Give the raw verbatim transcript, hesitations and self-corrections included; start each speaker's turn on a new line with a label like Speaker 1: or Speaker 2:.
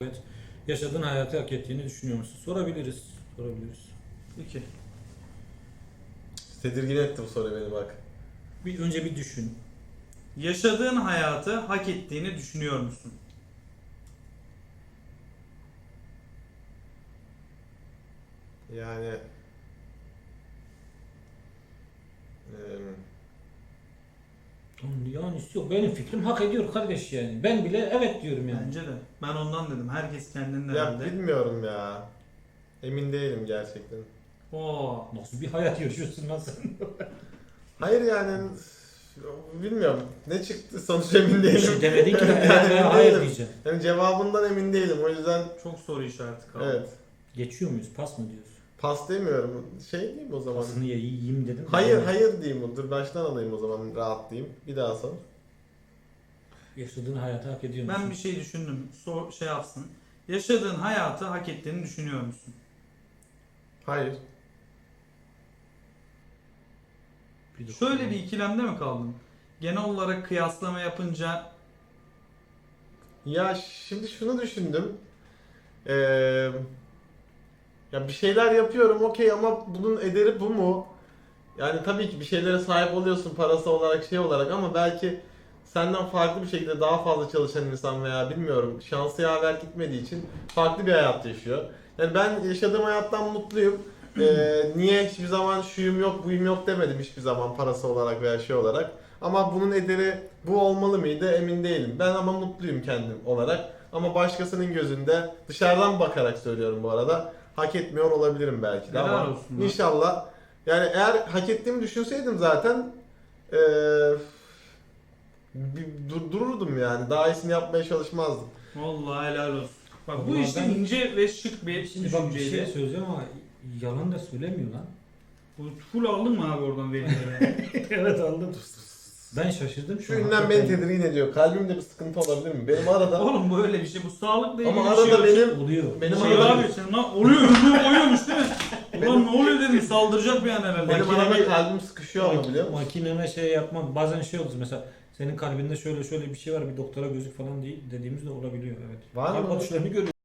Speaker 1: Evet. Yaşadığın hayatı hak ettiğini düşünüyor musun? Sorabiliriz. Sorabiliriz.
Speaker 2: İki.
Speaker 3: Tedirgin etti bu soru beni bak.
Speaker 1: Bir önce bir düşün.
Speaker 2: Yaşadığın hayatı hak ettiğini düşünüyor musun?
Speaker 3: Yani eee,
Speaker 1: Yani yok, benim fikrim hak ediyor kardeş yani. Ben bile evet diyorum yani.
Speaker 2: Bence de. Ben ondan dedim. Herkes kendinin
Speaker 3: ya
Speaker 2: herhalde.
Speaker 3: bilmiyorum ya. Emin değilim gerçekten.
Speaker 2: Oo.
Speaker 1: Nasıl bir hayat yaşıyorsun lan sen?
Speaker 3: Hayır yani bilmiyorum. Ne çıktı sonuç emin
Speaker 1: Bir
Speaker 3: değilim.
Speaker 1: şey demedin ki ben
Speaker 3: Yani
Speaker 1: evet veya
Speaker 3: emin
Speaker 1: hayır
Speaker 3: değilim.
Speaker 1: diyeceğim.
Speaker 3: Yani cevabından emin değilim. O yüzden
Speaker 2: Çok soru işareti kaldı.
Speaker 3: evet.
Speaker 1: Geçiyor muyuz? Pas mı diyoruz?
Speaker 3: Pas demiyorum. Şey diyeyim o zaman.
Speaker 1: Pasını ye- yiyeyim dedim.
Speaker 3: Hayır
Speaker 1: Yani
Speaker 3: hayır diyeyim. Dur baştan alayım o zaman rahatlayayım. Bir daha sor.
Speaker 1: Yaşadığın hayatı hak ediyor musun?
Speaker 2: Ben bir şey düşündüm. Sor, şey yapsın. Yaşadığın hayatı hak ettiğini düşünüyor musun?
Speaker 3: Hayır.
Speaker 1: Bir dakika.
Speaker 2: Şöyle bir ikilemde mi kaldın? Genel olarak kıyaslama yapınca
Speaker 3: Ya şimdi şunu düşündüm. Ee, ya bir şeyler yapıyorum okey ama bunun ederi bu mu? Yani tabii ki bir şeylere sahip oluyorsun parası olarak şey olarak ama belki senden farklı bir şekilde daha fazla çalışan insan veya bilmiyorum şansı yaver gitmediği için farklı bir hayat yaşıyor. Yani ben yaşadığım hayattan mutluyum. Ee, niye hiçbir zaman şuyum yok buyum yok demedim hiçbir zaman parası olarak veya şey olarak. Ama bunun ederi bu olmalı mıydı emin değilim. Ben ama mutluyum kendim olarak. Ama başkasının gözünde dışarıdan bakarak söylüyorum bu arada. Hak etmiyor olabilirim belki de
Speaker 2: Helal
Speaker 3: ama
Speaker 2: olsun lan.
Speaker 3: inşallah. Yani eğer hak ettiğimi düşünseydim zaten eee, bir dur- dururdum yani. Daha iyisini yapmaya çalışmazdım.
Speaker 2: vallahi helal olsun. Bak bu
Speaker 1: Vallahi
Speaker 2: işte
Speaker 1: ben-
Speaker 2: ince ve şık bir
Speaker 1: Şimdi bak bir şey
Speaker 2: düşünceydi.
Speaker 1: söyleyeceğim ama yalan da söylemiyor lan.
Speaker 2: Bu full aldın mı abi oradan verileri?
Speaker 1: Evet aldım. Ben şaşırdım.
Speaker 3: Şu ünlem beni tedirgin ediyor. Kalbimde bir sıkıntı olabilir mi? Benim arada
Speaker 2: Oğlum bu öyle bir şey. Bu sağlıkla ilgili
Speaker 3: ama
Speaker 2: bir şey
Speaker 3: arada
Speaker 2: yok.
Speaker 3: benim
Speaker 1: oluyor.
Speaker 3: benim
Speaker 2: Şey
Speaker 3: arada
Speaker 2: abi sen lan oluyor oluyor oluyormuş değil mi? Ulan ne oluyor dedim saldıracak bir an herhalde.
Speaker 3: benim
Speaker 1: Makinede-
Speaker 3: arada kalbim sıkışıyor ama biliyor musun?
Speaker 1: Makineme şey yapmam. Bazen şey olur mesela senin kalbinde şöyle şöyle bir şey var bir doktora gözük falan değil dediğimiz de olabiliyor evet.
Speaker 3: Var mı?
Speaker 1: Kalp atışlarını görüyoruz.